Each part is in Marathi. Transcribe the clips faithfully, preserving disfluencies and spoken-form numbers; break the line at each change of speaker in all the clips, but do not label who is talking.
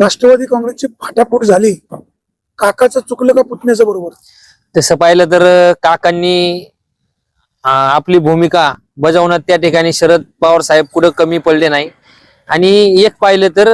राष्ट्रवादी काँग्रेसची फाटाफूट झाली, काकाचं चुकलं का पुतण्याचं बरोबर?
तसं पाहिलं तर काकांनी आपली भूमिका बजावण्यात त्या ठिकाणी शरद पवार साहेब कुठं कमी पडले नाही. आणि एक पाहिलं तर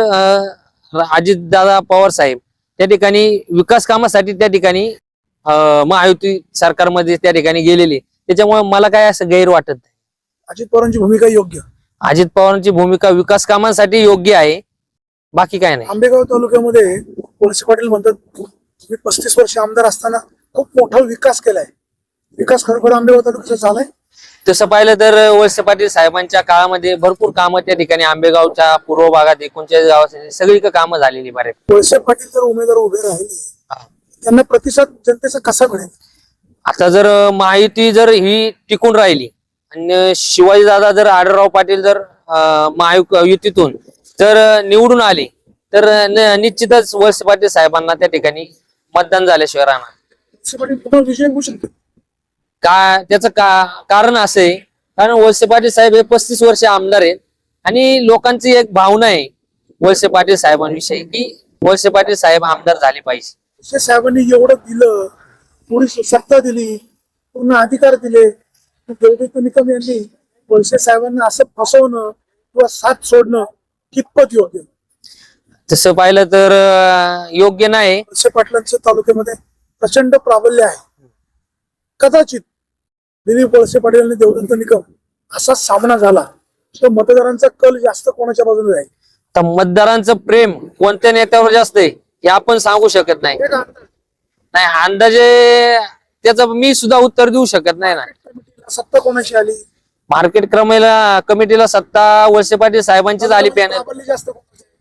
अजितदादा पवार साहेब त्या ठिकाणी विकास कामासाठी त्या ठिकाणी महायुती सरकारमध्ये त्या ठिकाणी गेलेले, त्याच्यामुळे मला काय असं गैर वाटत नाही.
अजित पवारांची भूमिका योग्य,
अजित पवारांची भूमिका विकास कामांसाठी योग्य आहे, बाकी काय नाही.
आंबेगाव तालुक्यामध्ये वळसे पाटील म्हणतात मी पस्तीस वर्ष आमदार असताना खूप मोठा विकास केलाय. विकास खरोखर आंबेगाव तालुक्याचा झालाय?
तसं पाहिलं तर वळसे पाटील साहेबांच्या काळामध्ये भरपूर कामं त्या ठिकाणी आंबेगावच्या पूर्व भागात एकोणचाळीस गावात सगळी कामं झालेली बरे.
वळसे पाटील जर उमेदवार उभे राहिले त्यांना प्रतिसाद जनतेचा कसा मिळेल?
आता जर महायुती जर ही टिकून राहिली आणि शिवाजी दादा जर आढळराव पाटील जर महायुतीतून जर निवडून आले तर निश्चितच वळसे पाटील साहेबांना त्या ठिकाणी मतदान झाल्याशिवाय राहणार.
वळसे पाटील पुन्हा विजय होऊ शकतो
का? त्याचं का कारण असं आहे कारण वळसे पाटील साहेब हे पस्तीस वर्ष आमदार आहेत आणि लोकांची एक भावना आहे वळसे पाटील साहेबांविषयी की वळसे पाटील साहेब आमदार झाले पाहिजे.
वळसे साहेबांनी एवढं दिलं, थोडी सत्ता दिली, पूर्ण अधिकार दिले, देवदत्त निकम यांनी वळसे साहेबांना असं फसवणं किंवा साथ सोडणं कितपत योग्य?
तसं पाहिलं तर योग्य नाही.
वळसे पाटलांच्या तालुक्यामध्ये प्रचंड प्राबल्य आहे. कदाचित दिलीप वळसे पाटील आणि देवदत्त निकम असा सामना झाला तर मतदारांचा कल जास्त कोणाच्या बाजूने राहील?
तर मतदारांचं प्रेम कोणत्या नेत्यावर जास्त आहे हे आपण सांगू शकत नाही. नाही अंदाजे त्याचं मी सुद्धा उत्तर देऊ शकत नाही ना.
सत्ता कोणाची आली?
मार्केट कमिटीला कमिटीला सत्ता वळसे पाटील साहेबांचीच आली. पॅनल
जास्त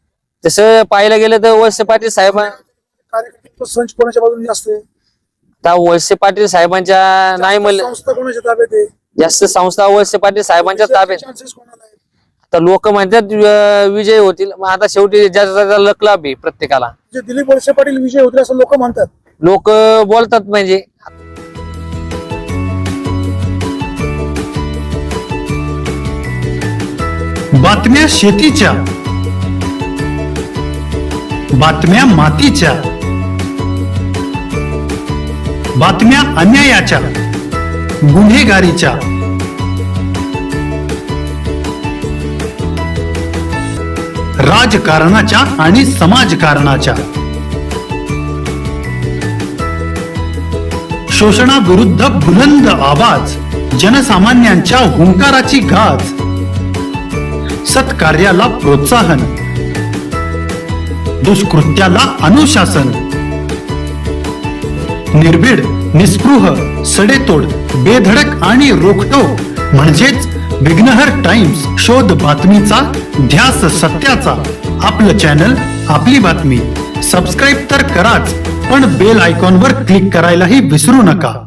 तसं पाहायला गेलं तर वळसे पाटील साहेब
कार्यकर्ते संच कोणाच्या बाजूने जास्त आहे?
आता वळसे पाटील साहेबांच्या नाही म्हणलं
संस्था कोणाच्या ताब्यात आहे?
जास्त संस्था वळसे पाटील साहेबांच्या ताब्यात.
चान्सेस कोणाला आहेत?
आता लोक म्हणतात विजय होतील, मग आता शेवटी ज्याचा लक लाभ आहे प्रत्येकाला.
जे दिलीप वळसे पाटील विजय होतील असं लोक म्हणतात.
लोक बोलतात म्हणजे
बातम्या शेतीच्या, बातम्या मातीच्या, बातम्या अन्यायाच्या, गुन्हेगारीच्या, राजकारणाच्या आणि समाजकारणाच्या, शोषणाविरुद्ध बुलंद आवाज, जनसामान्यांच्या हुंकाराची गाज, सत्कार्याला प्रोत्साहन, दुष्कृत्याला अनुशासन, निर्भीड, निस्पृह, सडेतोड, बेधडक आणि रोखटोक म्हणजेच विघ्नहर टाइम्स. शोध बातमीचा, ध्यास सत्याचा. आपलं चॅनल, आपली बातमी. सबस्क्राईब तर कराच, पण बेल आयकॉनवर क्लिक करायलाही विसरू नका.